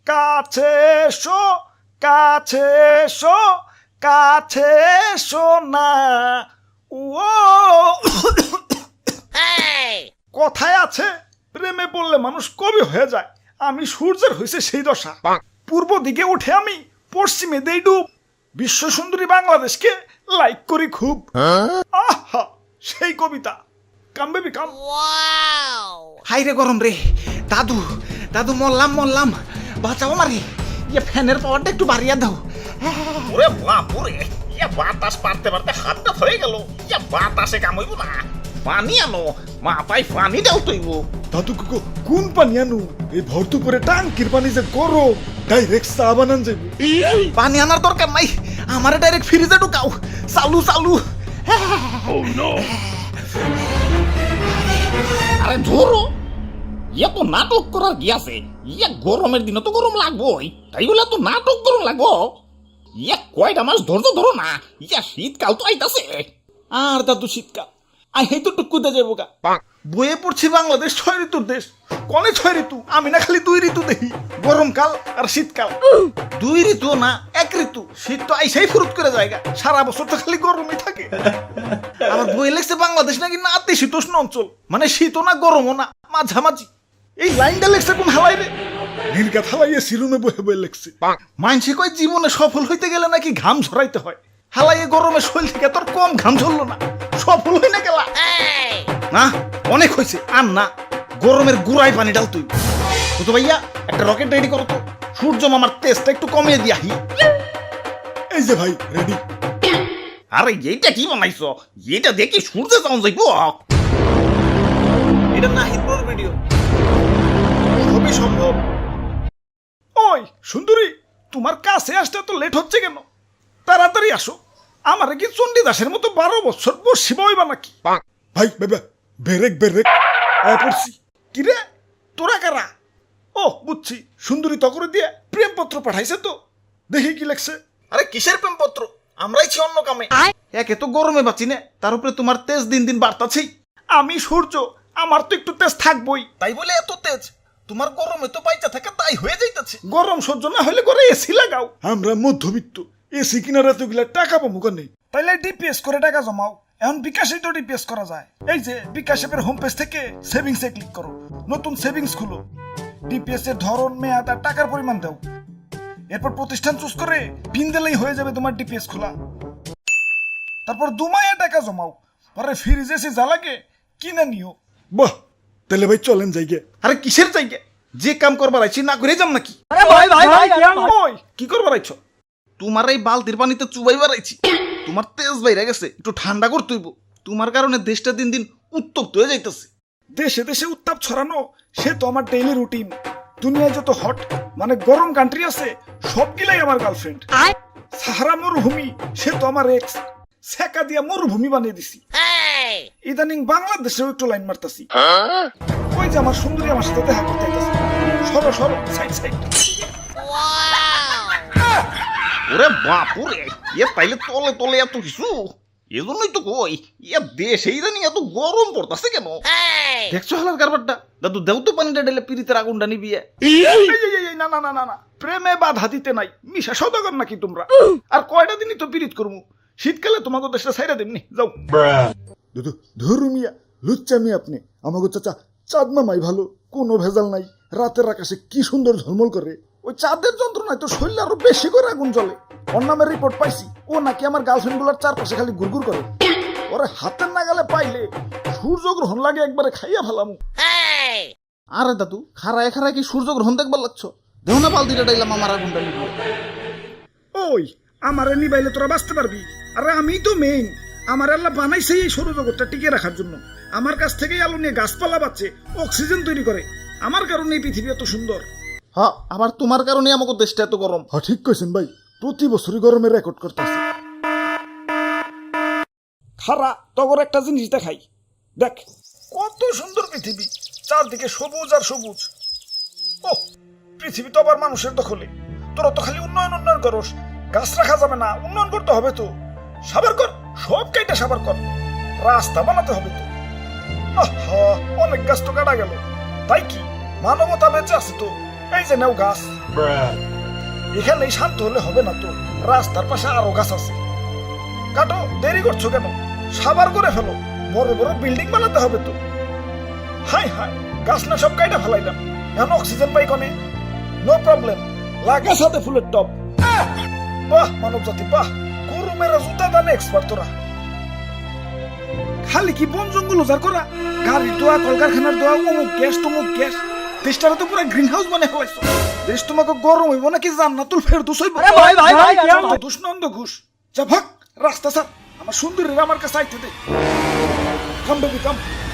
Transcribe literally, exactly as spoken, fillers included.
কাছে এসো কাছে এসো কাছে এসো না ও কথায় আছে প্রেমে পড়লে মানুষ কবি হয়ে যায়। আমি সূর্যের হয়েছে সেই দশা, পূর্ব দিকে উঠে আমি পশ্চিমে দেই ডুব, বিশ্ব সুন্দরী বাংলাদেশকে লাইক করি খুব। আহা সেই কবিতা, কাম বেবি কাম। হাই রে গরম রে দাদু, দাদু মরলাম মরলাম, বাঁচাও মারি, ইয়ে ফ্যানের পাওয়ারটা একটু বাড়িয়ে দাও। ওরে বাপুরে, ইয়া বাতাস পারতে পারতে হাতটা ধরে গেল। ইয়া বাতাসে কামইব না, পানি আনো, মাথায় পানি দাও তৈব। দাদু কুকু কোন পানি আনু? এই ভর্তু করে টাঙ্কির পানি যে গরম, ডাইরেক্ট চা বানান যাইব। পানি আনার দরকার নাই, আমারে ডাইরেক্ট ফ্রিজে ঢুকাও, চালু চালু। আরে ধরো, ইয়া তো নাটক করার কি আছে? ইয়া গরমের দিনে তো গরম লাগবোই, তাই বলে তো নাটক গরম লাগবো? ইয়া কয়টা মাস ধৈর্য ধরো না, ইয়া শীতকাল তো আইতাছে। আর দাদু শীতকাল আই হেই তো টুকুতে যাবো গা। বইয়ে পড়ছি বাংলাদেশ ছয় ঋতুর দেশ, কনে ছয় ঋতু? আমি না খালি দুই ঋতু দেখি, গরমকাল আর শীতকাল। দুই ঋতু না এক ঋতু, শীত তো আইসাই ফুরুত করে জায়গা, সারা বছর তো খালি গরমই থাকে। আমার বই লেগছে বাংলাদেশ নাকি নাতিশীতোষ্ণ অঞ্চল, মানে শীতও না গরমও না, মাঝামাঝি। এই লাইনটা লেখছে কোন হালাই রে? নির্গাত হালাইয়ে সিরুমে বহে বয়ে লেখছে। মানসে কয় জীবনে সফল হইতে গেলে নাকি ঘাম ঝরাইতে হয়, হালাইয়ে গরমে শরীর থেকে তোর কম ঘাম ঝরলো না, সফল হই না গেলা। না অনেক হয়েছে, আর না, গরমের গুড়াই পানি ডাল তুই। তো ভাইয়া একটা রকেট রেডি করো তো, সূর্য মামার তেজটা একটু কমিয়ে দিয়াহি। এই যে ভাই রেডি। আরে এইটা কি বানাইছো? এইটা দেখি সূর্যে যাওয়া যাইব। এটা নাহিদ ব্রোর ভিডিও, সবই সম্ভব। ওই সুন্দরী, তোমার কাছে আসতে তো লেট হচ্ছে কেন? তাড়াতাড়ি আসো, আমার কি চণ্ডীদাসের মতো বারো বছর বসি বইবা নাকি? ভাই বেবা বেরেক বেরেক আয় পড়ছি। কিরে তোরা কারা? ও বুঝছি, সুন্দরী তকরে দিয়ে প্রেমপত্র পাঠাইছে তো, দেখি কি লেখছে। আরে কিসের প্রেমপত্র, আমরাই ছি অন্য কামে। একে তো গরমে বাঁচি না, তার উপরে তোমার তেজ দিন দিন বাড়তাছেই। আমি সূর্য, আমার তো একটু তেজ থাকবই। তাই বলে এত তেজ, তোমার গরমে তো বাইচা থাকে তাই হয়ে যাইতাছে। গরম সহ্য না হলে করে এসি লাগাও। আমরা মধ্যবিত্ত, এসি কিনার এতগুলা টাকা পাবো কেন? তাইলে ডিপিএস করে টাকা জমাও। এখন বিকাশে তো ডিপিএস করা যায়। এই যে বিকাশ অ্যাপের হোম পেজ থেকে সেভিংস এ ক্লিক করো, নতুন সেভিংস খুলো, ডিপিএস এর ধরন, মেয়াদ আর টাকার পরিমাণ দাও, এরপর প্রতিষ্ঠান চুজ করে পিন দিলেই হয়ে যাবে তোমার ডিপিএস খোলা। তারপর দুমায়ে টাকা জমাও, পরে ফ্রিজ এসে যা লাগে কিনে নিও। বাহ, তাহলে ভাই চলেন যাইগে। আরে কিসের জায়গা, যে কাম করবার আইছি না করে যাম নাকি? ওই কি করবার আইছো? তোমার এই বালতির পানিতে চুবাইবার আইছি, তোমার তেজ বাইরে গেছে, একটু ঠান্ডা করতে হইব। তোমার কারণে দেশটা দিন দিন উত্তপ্ত হয়ে যাইতেছে। দেশে দেশে উত্তাপ ছড়ানো সে তো আমার ডেইলি রুটিন। দুনিয়ায় যত হট মানে গরম কান্ট্রি আছে সবগুলাই আমার গার্লফ্রেন্ড। সাহারা মরুভূমি সে তো আমার এক্স, সেকা দিয়া মরুভূমি বানিয়ে দিছি। ইদানিং বাংলাদেশেও একটু লাইন মারতাছি। ওই যে আমার সুন্দরী আমার সাথে দেখা করতে আইতাছে, সরো সরো সাইড সাইড। ওরে বাপুরে, ইয়ে তাইলে তলে তলে এত কিছু। এজন্যই তো কই, ইয়া দেশে ইদানিং এত গরম পড়তাছে কেন? দেখছো হালার কারবারটা? দাদু দেও তো পানিটা ঢেলে পিরিতের আগুনটা নিবিয়ে। এই, এই, এই, না না না না না, প্রেমে বাধা দিতে নাই, মিশা সদাগর নাকি তোমরা? আর কয়টা দিনই তো পিরিত করমু, শীতকালে তোমাকে দেশটা ছাইরা দেমনি, যাও। দাদু ধরু মিয়া, লুচ্চামি আপনি। আমাকে চাচা চাঁদ মামাই ভালো, কোনো ভেজাল নাই। রাতের আকাশে কি সুন্দর ঝলমল করে, ওই চাঁদের যন্ত্রণায় তো শরীরে আরো বেশি করে আগুন জ্বলে। ওর নামের রিপোর্ট পাইছি, ও নাকি আমার গার্লফ্রেন্ড গুলার চারপাশে খালি গুড়গুড় করে। ওরে হাতের নাগালে পাইলে সূর্যগ্রহণ লাগে একবারে খাইয়া ফেলামু। আরে দাদু খারায় খারায় কি সূর্য গ্রহণ দেখবার লাগছো? দেও না বালতিটা ডাইলাম আমার আগুনটা নিবি। ওই আমারে নিবাইলে তোরা বাঁচতে পারবি? আরে আমি তো মেইন, আমার আল্লাহ বানাইছে এই সৌরজগৎটা টিকে রাখার জন্য। আমার কাছ থেকেই আলো নিয়ে গাছপালা বাঁচে, অক্সিজেন তৈরি করে। আমার কারণে এই পৃথিবী এত সুন্দর। হ্যাঁ, আবার তোমার কারণে আমাকে দেশটা এত গরম। হ্যাঁ ঠিক কইছেন ভাই, প্রতি বছরই গরমে রেকর্ড করতেছে। খারা তগর একটা জিনিস দেখাই, দেখ কত সুন্দর পৃথিবী, চারদিকে সবুজ আর সবুজ। ও পৃথিবী তো আবার মানুষের দখলে। তোরা তো খালি উন্নয়ন উন্নয়ন করস, গাছ রাখা যাবে না, উন্নয়ন করতে হবে তো। সাবার কর, সব কাইটা সাবার কর, রাস্তা বানাতে হবে তো। আহা, অনেক গাছ তো কাটা গেল, তাই কি মানবতা বেঁচে আছে তো, এই যে নাও গাছ এখানেই শান্ত হলে হবে না তো, রাস্তার পাশে আরো গাছ আছে। কাটো, দেরি করছো কেন? সাবার করে ফেলো, বড় বড় বিল্ডিং বানাতে হবে তো। হাই হাই, গাছ না সব কাইটা ফেলাইলাম, এখন অক্সিজেন পাই কনে? নো প্রবলেম, লাগা সাথে ফুলের টপ। আহ! বাহ মানব জাতি বাহ, গরু মেরা জুতা দানে এক্সপার্ট তোরা। খালি কি বন জঙ্গল উজাড় করা, গাড়ির দোয়া, কলকারখানার দোয়া, অমুক গ্যাস তমুক গ্যাস, দেশটারে তো পুরো গ্রিন হাউস বানিয়ে ফেলাইছো। দেশ তোমাকে গরম হইব নাকি জান্নাতুল ফেরদৌস হইব? ভাই, ভাই, ভাই, যত দুষ নন্দ ঘুষ। যা ভাগ, রাস্তা স্যার, আমার সুন্দরীরা আমার কাছে আইতে দে। কাম বেবি কাম।